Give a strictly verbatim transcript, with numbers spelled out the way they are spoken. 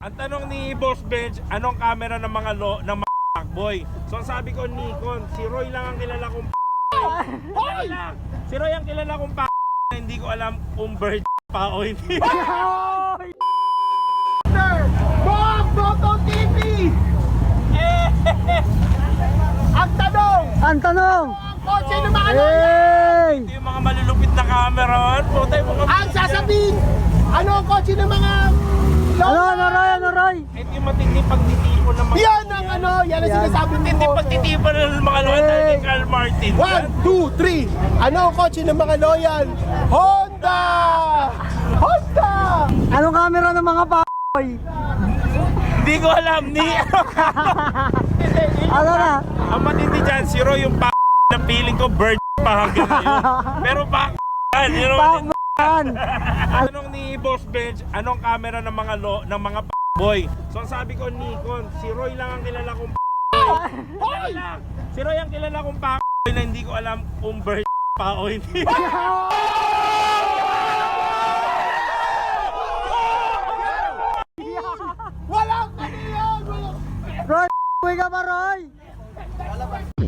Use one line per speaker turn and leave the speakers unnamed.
Ang tanong ni Boss Bench, anong camera ng mga lo ng mga fuckboy? So ang sabi ko Nikon, si Roy lang ang kilala kong Hoy! Si Roy ang kilala kong pa hindi ko alam kung bird pa o hindi.
Bob Moto T V! Ang tanong!
Ang tanong!
Ang kotse ng mga lola!
Hey!
Ito yung mga malulupit na camera. Putay mo
Ang sasabihin! Ano ang kotse ng mga
Ano,
lola?
ano, Roy, ano, Roy?
Ito yung matindi pagtitipon ng mga
Yan ang ano, yan ang
Yan.
sinasabi
matindi
mo.
pagtitipon ng mga lola ni Carl Martin.
One, two, three! Ano ang kotse ng mga loyal? Honda! Honda!
Anong camera ng mga p***boy?
Hindi ko alam ni
Ano na?
Ang matindi dyan, si Roy yung pa na feeling ko bird pa hanggang ngayon. Pero pa you know,
P***an!
tanong ni Boss Bench, anong camera ng mga lo ng mga boy? So ang sabi ko Nikon, si Roy lang ang kilala kong Hoy! Si Roy ang kilala kong pa na hindi ko alam kung bird pa o hindi.
Walang kaniyan! Walang...
Roy, uwi ka ba, Roy?